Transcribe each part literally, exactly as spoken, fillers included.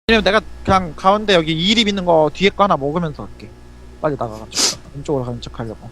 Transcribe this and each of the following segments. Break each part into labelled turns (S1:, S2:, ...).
S1: 왜냐면 내가 그냥 가운데 여기 이립 있는 거 뒤에 거 하나 먹으면서 할게. 빨리 나가가지고 왼쪽으로 가는 척 하려고.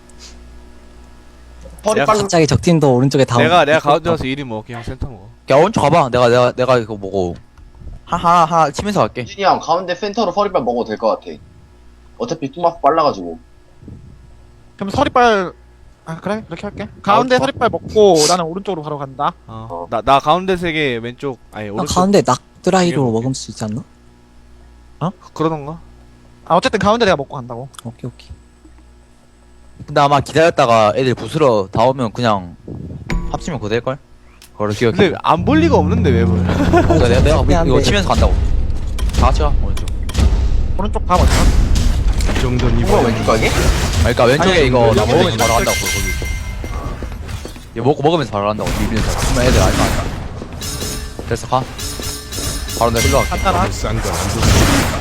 S2: 허리
S3: 내가
S2: 빨리
S4: 갑자기 적팀도 오른쪽에 다
S3: 내가
S4: 오고.
S3: 내가 가운데 가서 일이 먹을게. 형 센터 먹어.
S5: 야 오른쪽 가봐. 내가 내가 내가 이거 뭐고 하나 하나 치면서 갈게.
S2: 유진이 형 가운데 센터로 허리빨 먹어도 될 것 같아. 어차피 뚜마프 빨라가지고.
S1: 그럼 서리빨 아 그래 그렇게 할게. 가운데
S2: 아,
S1: 서리빨 먹고 나는 오른쪽으로 바로 간다.
S3: 어. 나 나 가운데 세 개 왼쪽 아니
S4: 아,
S3: 오른쪽.
S4: 가운데 낙드라이로
S3: 이게
S4: 먹을 수 있지 않나?
S3: 그러던가.
S1: 아 어쨌든 가운데 내가 먹고 간다고.
S4: 오케이 오케이.
S5: 근데 아마 기다렸다가 애들 부스러 다 오면 그냥 합치면 그거 될걸? 그걸 기억해.
S3: 근데 안 볼 리가 없는데 왜 보여?
S5: 그러니까 내가, 내가
S4: 미안한데.
S5: 이거 치면서 간다고. 다 같이 가 오른쪽.
S1: 오른쪽 가 먼저.
S6: 이 정도는
S2: 누가
S6: 이번에
S2: 왼쪽 가게?
S5: 그러니까 왼쪽에
S1: 아니,
S5: 이거 나
S1: 여기
S5: 먹으면서
S1: 여기
S5: 바로
S1: 여기
S5: 간다고 거기. 이거 먹고 먹으면서 바로 간다고 비비면서. 그러면 애들 알면 안다. 됐어 가. 바로 내가 일로 갈게.
S1: 간단한.
S6: 싼 건 안 좋습니다.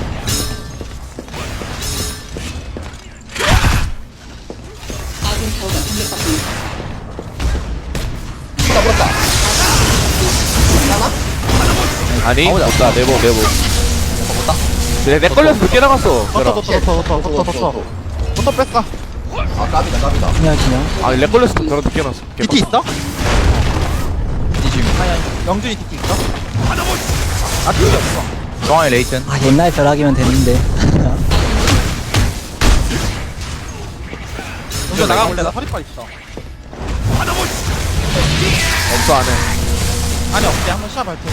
S2: 나 물었다.
S3: 아니
S5: 가보자.
S3: 못다 내보 내보.
S5: 먹었다?
S3: 내내 걸려서 늦게 나갔어.
S1: 더
S3: 벼라.
S1: 더 더 더 더 더 더 더 더 뺐어.
S2: 아 까비다 까비다.
S4: 그냥 그냥.
S3: 아내 걸려서 벼라 늦게 나갔어.
S1: 디티 있어?
S5: 이 지금
S1: 영준이 디티 있어? 아 디티 없어.
S5: 중앙에 레이튼.
S4: 아 옛날 벼락이면 됐는데.
S1: 영준 나가볼래? 나 서리빨 있어.
S3: 없어 안해.
S1: 아니 없지 한번 시합 할게.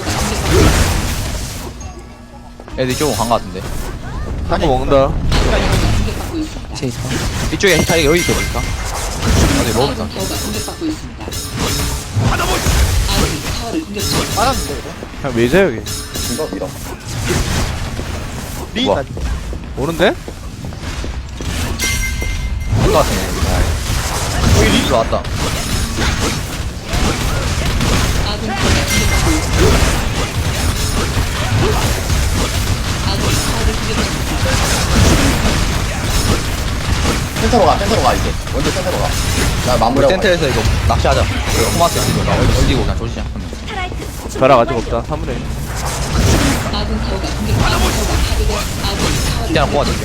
S5: 애들 조금 간거 같은데.
S3: 한거 먹는다.
S4: 제 있어.
S5: 이쪽에 히타 여기 있어 보니까. 어디 먹었다.
S1: 말았는데 이거.
S3: 그냥 매자 여기.
S2: 이거 밀어.
S1: 리
S5: 우와.
S1: 나
S3: 오는데?
S5: 한거 같은데. 여기 리즈 나왔다.
S2: 센터로 가 센터로 가 이제. 먼저 센터로 가. 나
S5: 우리
S2: 마무리하고.
S5: 텐트에서 이거 낚시하자. 이거 토마스 이거 나 얼- 얼리고 그냥 조심해.
S3: 벼락 아직 없다. 사물에.
S5: 진짜 하나 뽑아줄게.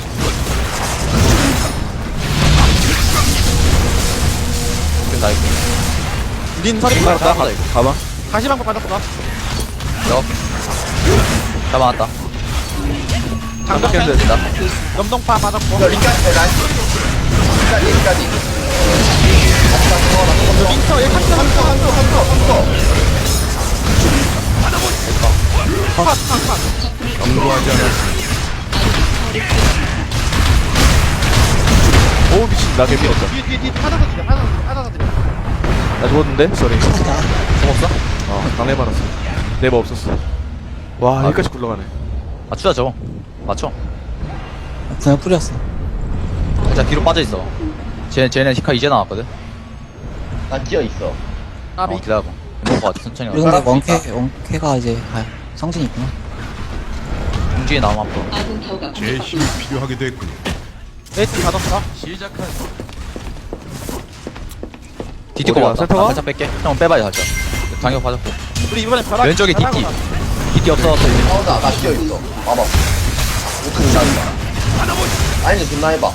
S5: 그래서 나 이거
S1: 린 서리빨
S5: 다 하다 이거.
S3: 가봐.
S1: 다시 방법 빠졌어.
S5: 너 잡아놨다.
S1: 장벽
S5: 캔들 된다.
S1: 염동파 빠졌고.
S2: 야 링까지 돼 나이스. 링까지 링까지.
S1: 링터 얘 칸터 칸터 칸터 칸터 칸터.
S6: 경고하지 않았습니다.
S3: 오 미친 나 개미 없다.
S1: 뒤에 뒤에 뒤에 하나더 드려 하나더 드려 하나더 드려.
S3: 나 죽었는데? 쏘리.
S5: 죽었어?
S3: 어 강내 받았어. 내버 없었어. 와
S5: 아,
S3: 여기까지 굴러가네.
S5: 맞추자 저거. 맞춰.
S4: 그냥 뿌렸어.
S5: 자 뒤로 빠져있어. 쟤, 쟤네 히카 이제 나왔거든?
S2: 난 기어 있어.
S1: 까비.
S5: 어 기다려봐. 먹고 와 천천히
S4: 그리고
S5: 가.
S4: 근데 원캐 원캐가 이제 아 성진이 있구나.
S5: 공중에 나오면 앞으로.
S6: 제 힘이 필요하게 됐군요.
S1: 레이트 받았어.
S5: 디티
S3: 어디야,
S5: 거 같다.
S3: 센터가?
S5: 나 살짝 뺄게. 형 빼봐야 살짝. 장력 받았고.
S1: 우리 이번에 벼락.
S5: 왼쪽에 디티.
S1: 벼락으로
S5: 디티 없어졌어 이제.
S2: 나온다. 나 기어 있어. 봐봐. 오크 나온다. 아니 존나 해봐.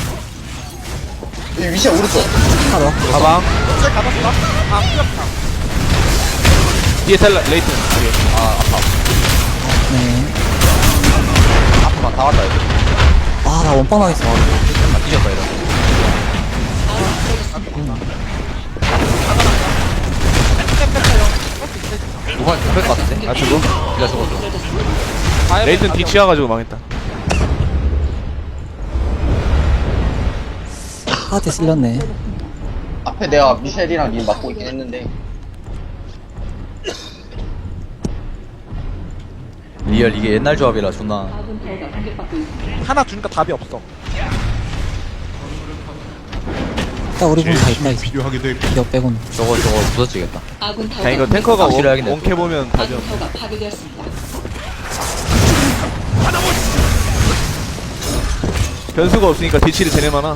S2: 이 위시야 오른쪽.
S4: 하나 더.
S3: 가방.
S1: 가. 받았어. 아 뿌렸다.
S3: 뒤에 텔라 레이튼. 뒤에.
S5: 아 아파.
S4: 네.
S5: 앞으로만 다 왔다 이제.
S4: 아나 원빵 나겠어.
S5: 나 뒤졌다 이러. 누가 죽을 것 같은데?
S3: 아 죽어?
S5: 네가 죽었어.
S3: 레이튼 뒤 치워가지고 망했다.
S4: 하한테 쓸렸네.
S2: 앞에 내가 미셸이랑 님 맞고 있긴 했는데.
S5: 리얼 이게 옛날 조합이라 존나.
S1: 하나 주니까 답이 없어.
S4: 딱 우리
S6: 제
S4: 분다 있다
S6: 힘이
S4: 이제.
S6: 필요하게 됐군요.
S4: 기업 빼고는.
S5: 저거 저거 부서지겠다.
S3: 야 이거 탱커가
S5: 확실히
S3: 원,
S5: 하긴
S3: 원캐 보면 답이 없어. 변수가 없으니까 뒤치를 쟤네 많아.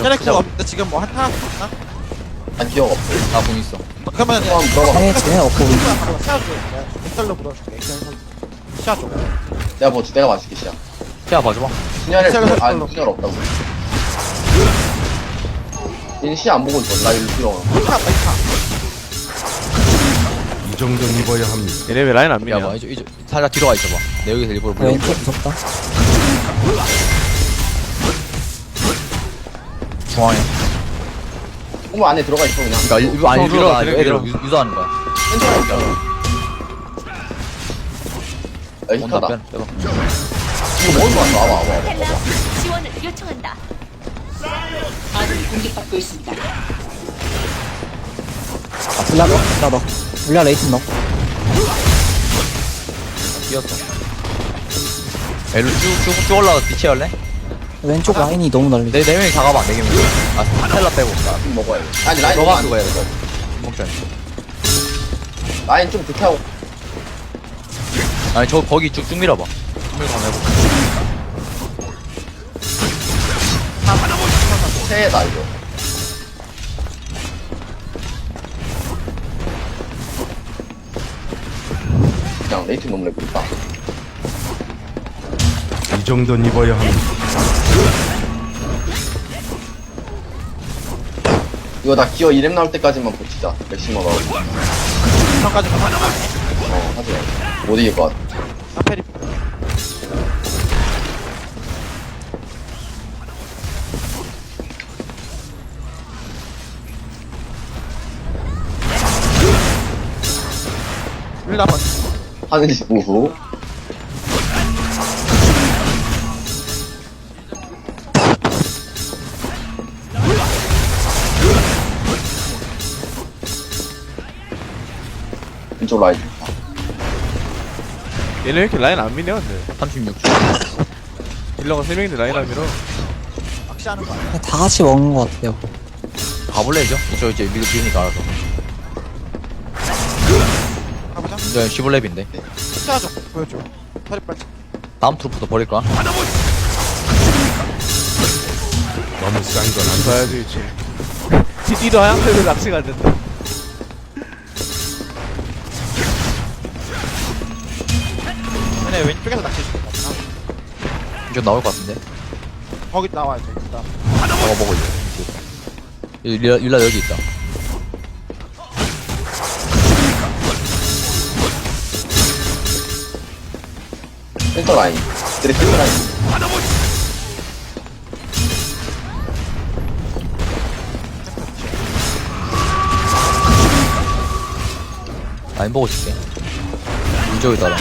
S1: 쟤네 그거 없는데 지금 뭐 한타 있나?
S2: 난 기억 없어.
S5: 나공 있어.
S1: 그러면
S2: 한번 물어봐.
S4: 상에 쟤네 없고 우리
S1: 바로 시야 줘. 엑셀로 물어줄게. 시야 줘.
S2: 내가 뭐 내가 맞을게 시야.
S5: 야 봐줘봐.
S2: 분열을
S1: 시야를
S2: 아
S1: 헷갈려.
S2: 분열 없다고. 얘는 시야 안 보고 있어. 나 일로 들어.
S1: 한타 있다.
S6: 이 정도는 입어야 합니다.
S3: 얘네 왜 라인 안 미냐?
S5: 야봐 이쪽 이쪽 살짝 뒤로 가 있어봐. 내 여기서 일부러
S4: 야,
S5: 물려.
S4: 왼쪽 무섭다.
S5: 중앙에.
S2: 홈 안에 들어가 있어 그냥.
S5: 그러니까 일- 이거 아니
S3: 밀어,
S5: 밀어
S3: 밀어,
S5: 애들
S3: 밀어.
S5: 유- 유도하는 거야.
S2: 센터가 있잖아. 야
S5: 온다
S2: 히카다.
S5: 빼. 빼봐.
S2: 이거 먹을 거 같아. 와봐 와봐.
S7: 텔라 지원을 요청한다. 아군이 공격받고 있습니다.
S4: 아, 불라 넣어. 불라 넣어. 불라 레이튼 넣어.
S5: 뛰었어. 애로 쭉쭉쭉 올라가 뒤치 할래?
S4: 왼쪽 라인이 너무 넓리.
S5: 네, 네 명이 다 가봐, 네 명이. 아, 스텔라 빼고. 나,
S2: 좀 먹어야 돼. 아니 라인
S5: 너가
S2: 좀
S5: 그거 해야
S2: 안
S5: 돼.
S2: 돼.
S5: 먹자.
S2: 라인 좀 불태워.
S5: 아니, 저, 거기 쭉쭉 밀어봐. 쭉 밀고 한번 해볼게.
S2: 새해다 이거. 그냥 레이팅 너무 렉있다.
S6: 이 정도는 입어야 합니다.
S2: 이거 나 기어 이렘 나올 때까지만 버티자. 맥시멈 나오고.
S1: 이런까지 가면
S2: 어 하지 마. 못 이길 것 같아.
S1: 아페리. 일나 번.
S2: 하늘이 보후. 왼쪽 라인.
S3: 얘네 왜 이렇게 라인 안 미냐 근데?
S5: 삼십육 초.
S3: 딜러가 세 명인데 라인 안 밀어.
S1: 낚시하는 거야.
S4: 그냥 다 같이 먹는 것 같아요.
S5: 가볼래, 이제? 이쪽 이제 미드 비니까 알아서.
S1: 가보자.
S5: 이제 십오 렙인데.
S1: 시야 줘. 보여줘. 허리 빨리.
S5: 다음 트루프도 버릴 거야?
S6: 너무 싼 건 안 좋습니다.
S3: 봐야지 이제. 디디도 하얀색으로 낚시가 안 된다.
S1: 얘네 왼쪽에서 낚시 줄게.
S5: 이쪽 나올 것 같은데?
S1: 거기 나와야 돼. 일단.
S5: 저거 보고 이제. 율라, 율라 여기 있다.
S2: 센터 라인. 드레 센터 라인.
S5: 라인 보고 줄게. 이쪽에 따라.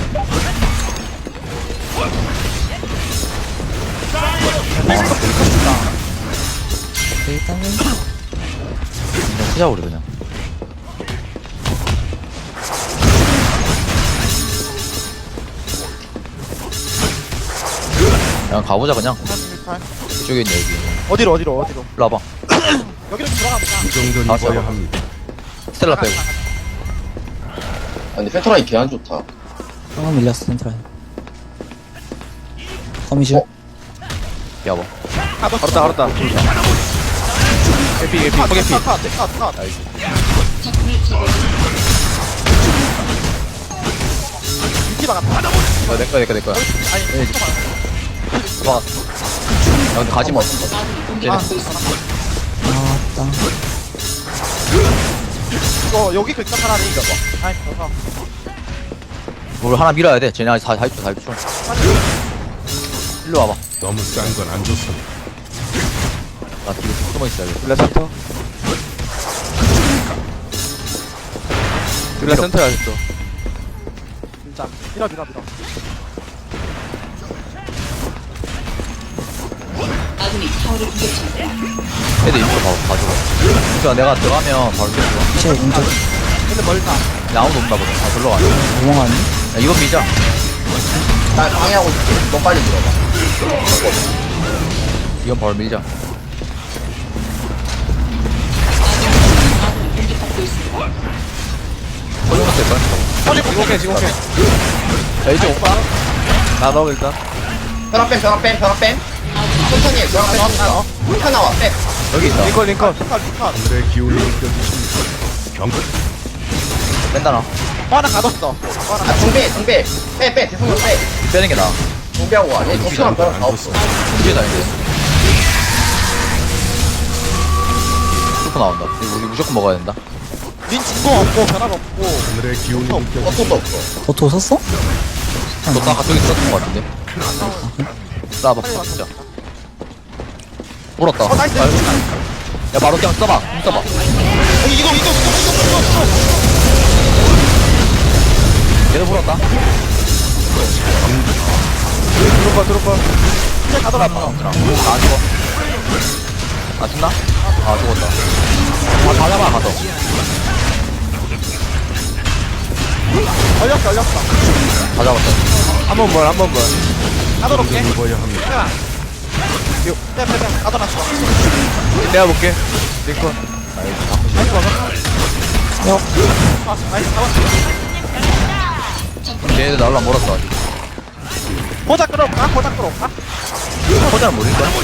S4: 일단은
S5: 그냥 크자, 우리 그냥. 그냥 가보자, 그냥.
S1: 삼십팔.
S5: 이쪽에 있네, 여기.
S1: 어디로 어디로 어디로.
S5: 일로 와봐.
S1: 여기로 들어가보자.
S6: 이 정도는
S5: 아,
S6: 입어야
S5: 잡아.
S6: 합니다.
S5: 스텔라 빼고.
S2: 아 근데 센터 라인 개안 좋다.
S4: 한번 밀렸어 센트라인. 거미줄.
S2: 어?
S5: 야, 봐.
S3: 알았다 알았다. 개피 개피 포개피.
S1: 컷, 컷, 컷, 컷.
S7: 적군을 제거했습니다.
S1: 유티 박았다.
S5: 어, 내 거야, 내 거야, 내 거야.
S1: 아니,
S5: 네, 들어왔어. 야, 근데 가지 마.
S7: 아군이 공격받고 있습니다.
S4: 아, 땅.
S1: 이거 여기 글자 하나를 이겨봐. 아니, 저거.
S5: 뭘 하나 밀어야 돼. 쟤네 다, 다 입죠, 다 입죠. 일로 와봐.
S6: 너무 싼 건 안 좋습니다.
S5: 나 뒤로 쭉 숨어 있어야겠다.
S3: 딜라 센터. 딜라 센터야 아직도.
S1: 진짜. 밀어, 밀어, 밀어.
S7: 아군이 타워를 공격 중입니다.
S5: 애들 입고 봐, 봐줘. 그니까 내가 들어가면 바로 뛰어.
S4: 제 왼쪽
S1: 근데 멀다.
S5: 근데 아무도 없나 보다. 다 들러가. 야,
S4: 우멍하니?
S5: 이번 미자.
S2: 나 방해하고 있을게. 너 빨리 들어봐.
S5: 이건 바로 밀자.
S7: 아군이 공격받고 있습니다.
S5: 소용은 될걸?
S3: 지금 오케이 지금 오케이.
S5: 자, 이제 오빠.
S3: 나 넣어 일단.
S2: 변화 뺨 변화 뺨 변화 뺨. 천천히 해. 저랑 빼.
S1: 어?
S2: 카 나와. 빼.
S5: 여기 있다.
S3: 링컨 링컨
S1: 컷, 컷.
S6: 하늘의 기운이 느껴지십니까? 병
S5: 뺀다 나.
S1: 어, 하나 가뒀어. 어, 하나
S2: 아, 중배, 중배. 빼, 빼. 대성공 빼.
S5: 빼는 게 나아.
S2: 중배하고 와. 얘 덕수랑 벼락 다
S6: 안
S2: 없어.
S6: 좋습니다.
S5: 뒤에다 이제. 슈퍼 나온다. 이거 우리 무조건 먹어야 된다.
S1: 린 진공 없고, 변화가 없고.
S6: 하늘의 기운이 느껴지십니까?
S2: 어떤 도 없어.
S4: 버터 썼어?
S5: 너다 가쪽에 썼던 것 같은데. 쏴봐. 진짜. 물었다.
S1: 어, 나이스.
S5: 야 바로 그냥 써봐. 좀 써봐.
S1: 어, 이거, 이거, 이거, 이거, 이거, 이거.
S5: 얘도 물었다.
S3: 드롭바 드롭바
S1: 이제 가더라.
S5: 아, 안 죽어. 아 죽나? 아 죽었다. 아 가자마 가서.
S1: 걸렸어, 걸렸어.
S5: 다 잡았다.
S3: 한 번 뭘 한 번뭘
S1: 가둬놓게.
S6: 입어야 합니다.
S1: 빼, 빼, 빼. 가둬놨어.
S3: 내가 볼게 링컨
S1: 나이스, 먹어.
S4: 야,
S1: 아, 나이스, 잡았어.
S5: 얘네들 나올라 멀었어 아직.
S1: 보자 끌어올까? 보자 끌어올까?
S5: 호자는 모를 거야?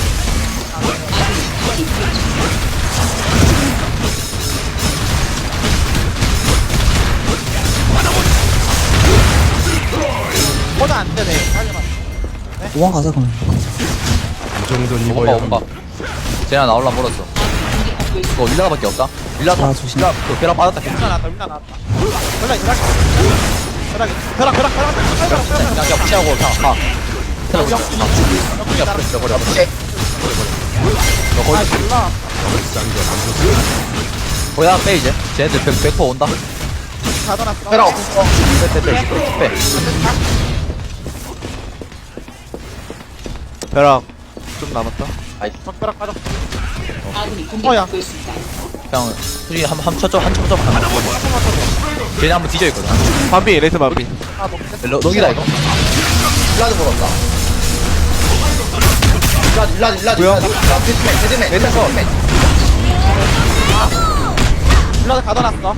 S1: 보자 안 되네. 빨리만.
S4: 오만 가자, 그럼.
S6: 이 정도는
S5: 오빠
S6: 입어야
S5: 오빠.
S6: 합니다.
S5: 쟤네 나올라 멀었어. 이거 윌라가밖에 없다. 윌라
S4: 아, 조심.
S5: 윌라 그 벼락 빠졌다.
S1: 민나 나왔다, 민나 나왔다. 벼락, 벼락. 벼락, 벼락, 벼락, 벼락, 벼락, 벼락, 벼락.
S5: 그냥 그냥 피하고 그냥 가. 그냥 그냥 그냥 버려 버려 버려.
S2: 쟤.
S5: 너
S1: 아,
S5: 거기
S1: 몰라.
S6: 싼건안 좋습니다.
S5: 거기다 빼 이제. 쟤네들 백 백 퍼센트 온다.
S1: 가둬놨어.
S2: 벼락 없어.
S5: 빼빼빼 빼.
S3: 벼락 좀 남았다
S1: 벽벼락 빠졌어.
S7: 아군이
S1: 어야.
S7: 공격받고 있습니다.
S5: 그냥 솔직히 한한 초점 한 초점 하나. 쟤네 한번 뒤져 있거든.
S3: 반비 레이트 반비
S1: 아, 너
S5: 너 너기다 이거.
S2: 일라드 물었다. 일라드, 일라드, 일라드.
S3: 뭐야?
S2: 일라드. 데드맨, 데드맨. 데드맨.
S1: 블라드 가둬놨어.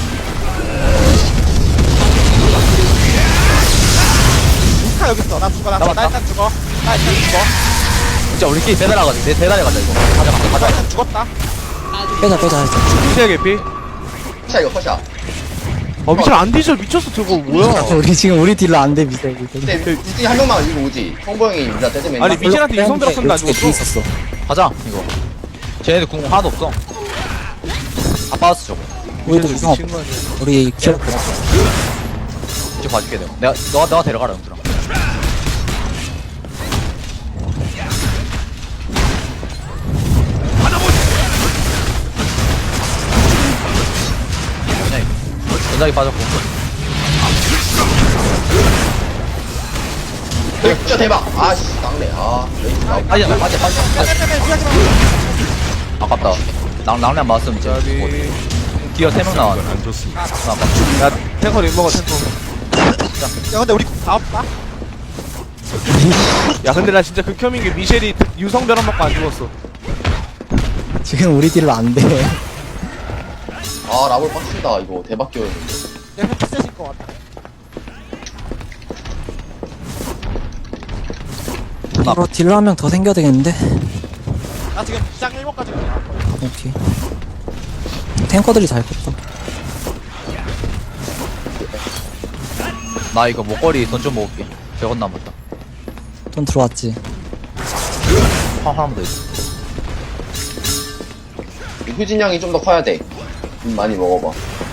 S1: 루카 여기 있어. 나 죽어. 나 죽어. 나 일단 죽어. 나 일단 죽어.
S5: 진짜 우리끼리 대단하 가자. 내 대단해 가자 이거. 가자 가자
S1: 나
S5: 가자.
S1: 일단 죽었다.
S4: 빼자, 빼자, 일단.
S3: 미셸 개피
S2: 자, 이거 컷이야.
S3: 어 미셸 안 뒤져 미쳤어 저거 뭐야
S4: 우리 지금 우리 딜러 안 돼, 미세.
S2: 근데 둘 중에 한 명만 이거 오지. 성보형이 일라 데드맨.
S3: 아니, 미셸한테 이성 들었었는데 안
S4: 뒤에
S3: 죽었어?
S4: 있었어.
S5: 가자 이거. 쟤네들 궁 하나도 없어. 다 빠졌어 저거.
S4: 우리도 구성 없
S3: 미친 거 아니야
S4: 우리 기억
S5: 이제 봐줄게 내가. 내가 너가 너가 데려가라 영준아. 그냥 이거. 전작이 빠졌고.
S2: 진짜 대박. 아씨, 막내. 아, 레이스 나오고.
S5: 빠지자 빠져 빠져.
S1: 빼빼빼 피하지 마.
S5: 아깝다. 낭 낭량 맞았으면 이제.
S3: 짜비
S5: 뭐, 기어 세 명 나왔네.
S6: 안 좋습니다.
S5: 나 아깝다.
S3: 야 탱커 림 먹어 탱커
S1: 야, 근데 우리 다 없다.
S3: 야 근데 나 진짜 극혐인 게 미셸이 유성 벼락 먹고 안 죽었어
S4: 지금 우리 딜러 안 돼.
S2: 아, 라볼 빡치다. 이거 대박 기어였는데.
S1: 내가 패스해질 것 같아.
S4: 이거 딜러 한 명 더 생겨야 되겠는데?
S1: 나 지금 시장 일 번까지 그냥.
S4: 아, 오케이. 탱커들이 잘 컸다.
S5: 나 이거 목걸이 돈 좀 먹을게. 백 원 남았다.
S4: 돈 들어왔지.
S5: 화 하나만 더 있어.
S2: 이 후진 양이 좀 더 커야 돼. 음, 많이 먹어봐.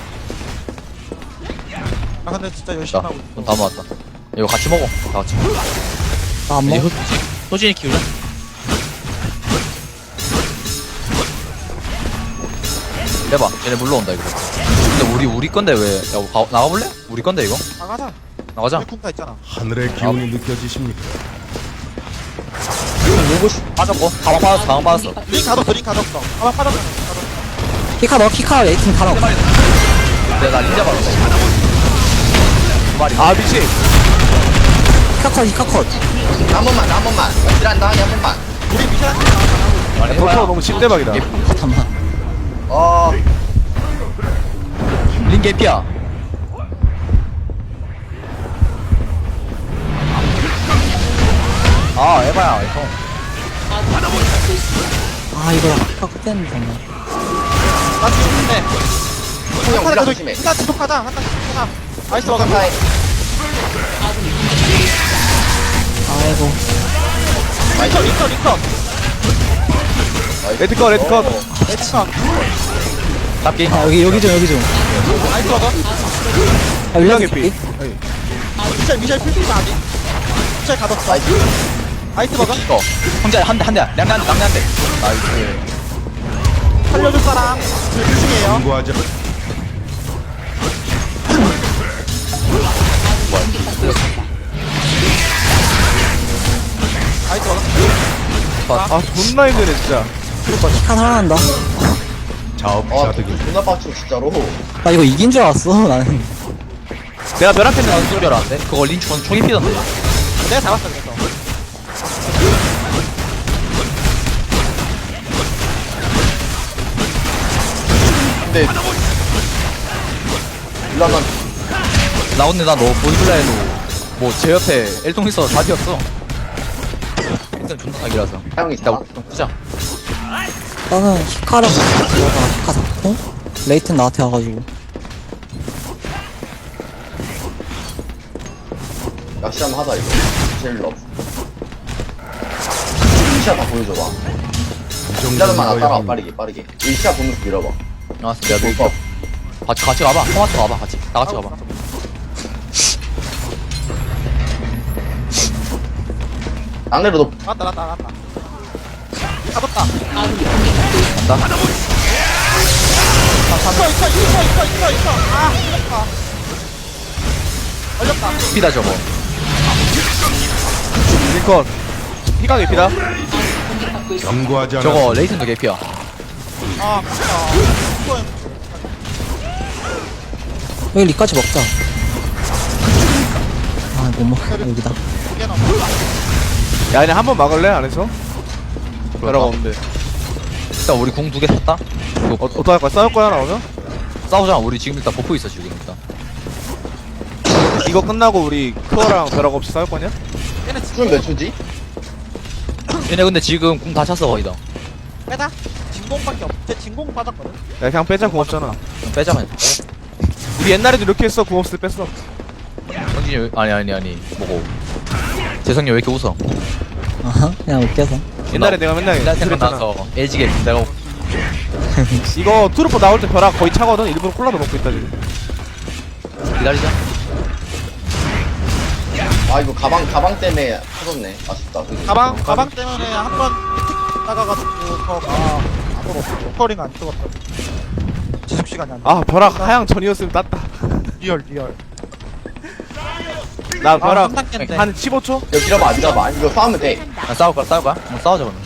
S1: 아, 근데 진짜 열심히
S5: 자,
S1: 하고 있어.
S5: 돈 다 모았다. 이거 같이 먹어. 다 같이.
S4: 나 안
S5: 이제
S4: 먹어.
S5: 호- 호진이 키우자. 해봐. 얘네 물러온다 이거. 근데 우리 우리 건데 왜? 야, 가, 나가볼래? 우리 건데 이거?
S1: 나가자.
S5: 나가자.
S1: 우리 군가 있잖아.
S6: 하늘의 기운이 느껴지십니까?
S5: 빠졌고. 가방 빠졌어. 가방 빠졌어.
S1: 링 가뒀어, 링 가뒀어. 가방 빠졌어. 가뒀어.
S4: 키카 넣어, 키카 레이팅 달아.
S5: 내가 나 닌자 받았어. 두 마리.
S3: 아 미셸
S4: 키카 컷, 키카 컷.
S2: 한 번만, 한 번만. 딜한 다음에 한 번만.
S1: 우리 미션한테 나가자.
S5: 아니,
S3: 버터 너무 찐대박이다
S4: 잠깐만.
S2: 아,
S5: 링 개피야. 아, 에바야, 형.
S7: 공격받고 있습니다.
S4: 아 이거 아까 그때는 정말
S1: 나 지금
S2: 그냥
S1: 근데
S2: 올라
S1: 한타
S2: 조심해.
S1: 한타 지속하자 한타 지속하자 나이스 먹어
S2: 한타에
S7: 아군이 공격받고 있습니다.
S4: 아이고
S1: 리터 리터 리터
S3: 레드컷 레드컷
S1: 레드컷
S5: 잡기.
S4: 아 여기 여기 좀 여기 좀
S1: 나이스 먹어
S4: 아, 윌라
S3: 윌라 개피.
S1: 미셸 미셸 풀피가 아직 미셸 가뒀어 나이스 먹어
S5: 이거. 혼자 한 대, 한 대. 량대 한 대, 량대 한 대. 나이스.
S1: 살려줄 사람 제일 중요해요
S6: 경고하자.
S1: 나이스 먹어
S3: 아 존나 힘드네 진짜.
S4: 한 살아난다
S2: 아
S6: 자업자득이
S2: 존나 빡치고 진짜로.
S4: 나 이거 이긴 줄 알았어 나는
S3: 내가 벼락했는데
S5: 안 소리 알았는데? 그거 린축은 총이 피던데.
S1: 내가 잡았어 그래서
S2: 근데 일라난
S5: 나 근데 나너 보이블라 해도 뭐 제 옆에 엘통 있어서 다 뛰었어. 일단 존나 사기라서.
S2: 사용이
S5: 일단
S2: 다.
S5: 좀 끄자.
S4: 나는 히카를 들어가다가 히카 잡고 레이튼 나한테 와가지고
S2: 낚시 한번 하자 이거. 제일 러브. 시야 다 보여줘봐.
S6: 이
S2: 일라난만 안
S6: 정도는
S2: 따라와
S6: 거야.
S2: 빠르게 빠르게. 이 시야 보면서 밀어봐.
S5: 나왔어. 내가 밀
S2: 볼까?
S5: 같이, 같이 가봐. 토마토 가봐. 같이. 다 같이 가봐.
S2: 낙내로 너
S1: 나갔다 나갔다 나갔다 가뒀다
S7: 아군이 공격받고 있습니다.
S5: 간다.
S1: 있어 있어 있어 있어 있어 있어 아 걸렸다 걸렸다
S5: 피다 저거.
S3: 링컷. 피가 개피다.
S7: 공격받고 있습니다.
S6: 경고하지 않아.
S5: 저거 레이튼도 개피야.
S1: 아 진짜 이거
S4: 여기 리까지 먹자 아 못 먹어 여기다
S1: 이게 너무
S3: 야 그냥 한 번 막을래 안에서? 벼락 없는데.
S5: 일단 우리 궁 두 개 샀다.
S3: 어, 어떡할 거야? 싸울 거야 나오면?
S5: 싸우자. 우리 지금 일단 버프 있어 지금 일단.
S3: 이거 끝나고 우리 크어랑 벼락 없이 싸울 거냐?
S1: 얘네
S2: 수준
S1: 진공
S2: 몇 초지?
S5: 얘네 근데 지금 궁 다 찼어 거의 다.
S1: 빼자 진공밖에 없. 쟤 진공 빠졌거든.
S3: 야 그냥 빼자 궁 없잖아.
S5: 그럼 빼자면.
S3: 우리 옛날에도 이렇게 했어 궁 없을 때 뺐어.
S5: 성진이 왜- 아니 아니 아니 뭐고. 재성이 왜 이렇게 웃어?
S4: 아하 그냥 웃겨서
S3: 옛날에 내가 맨날
S5: 옛날
S3: 그랬잖아.
S5: 생각나서 엘지게 내가
S3: 이거 트루퍼 나올 때 벼락 거의 차거든. 일부러 콜라도 먹고 있다 지금.
S5: 기다리자.
S2: 아 이거 가방 가방 때문에 터졌네. 아쉽다. 그지?
S1: 가방 가방 때문에 한번 나가가지고 저가 안으로 스토링 안 찍었다. 지속 시간이 안 돼.
S3: 아 벼락 하향 전이었으면 땄다.
S1: 리얼 리얼.
S3: 나 벼락
S1: 한 단계인데.
S3: 한 십오 초?
S2: 야 밀어봐 밀어봐. 이거 싸우면 돼.
S5: 아, 싸울 거야 싸울 거야? 한번 싸우자 그러면.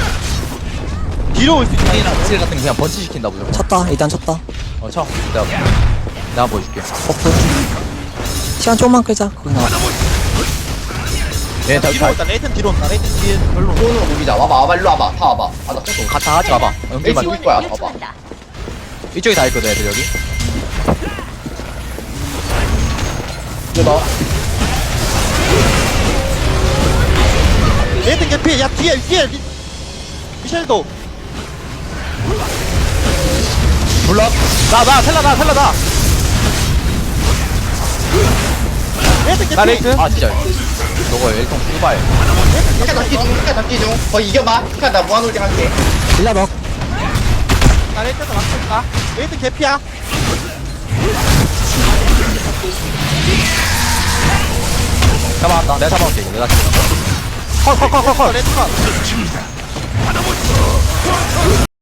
S1: 뒤로 올 수 있다.
S5: 스킬이랑 스킬 같은 거 그냥 번치 시킨다 무조건.
S4: 쳤다 일단 쳤다
S5: 어 쳐. 내가 내가 보여줄게.
S4: 버프 시간 조금만 끌자 거기 나와
S5: 얘네 다,
S1: 뒤로
S5: 다
S1: 온다. 레이튼 뒤로 온다. 레이튼 뒤에 별로.
S2: 손으로 녹이자. 와봐 와봐 일로 와봐. 다 와봐. 아나 손
S5: 가, 다 같이 가봐.
S2: 에이스
S5: 연결만.
S2: 녹일 거야. 봐봐.
S5: 이쪽에 다 있거든 애들 여기.
S2: 이거 나.
S1: 레이튼 개피. 야 뒤에 뒤에 리... 미셸도.
S5: 몰라?
S3: 나나 텔라 나 텔라 나.
S1: 레이튼 개피.
S3: 나 레이튼.
S5: 아 진짜. 저거 일통 수발.
S2: 피카 잡기 중. 피카 잡기 중. 거의 이겨봐. 피카 나 무한홀딩 할게.
S4: 일라 먹
S1: 나 레이튼도 맞고 있다. 레이튼 개피야.
S5: 잡아왔다. 내가 잡아올게 이거. 내가 잡아올게.
S3: 컷컷컷컷 컷.
S1: 레이튼 컷.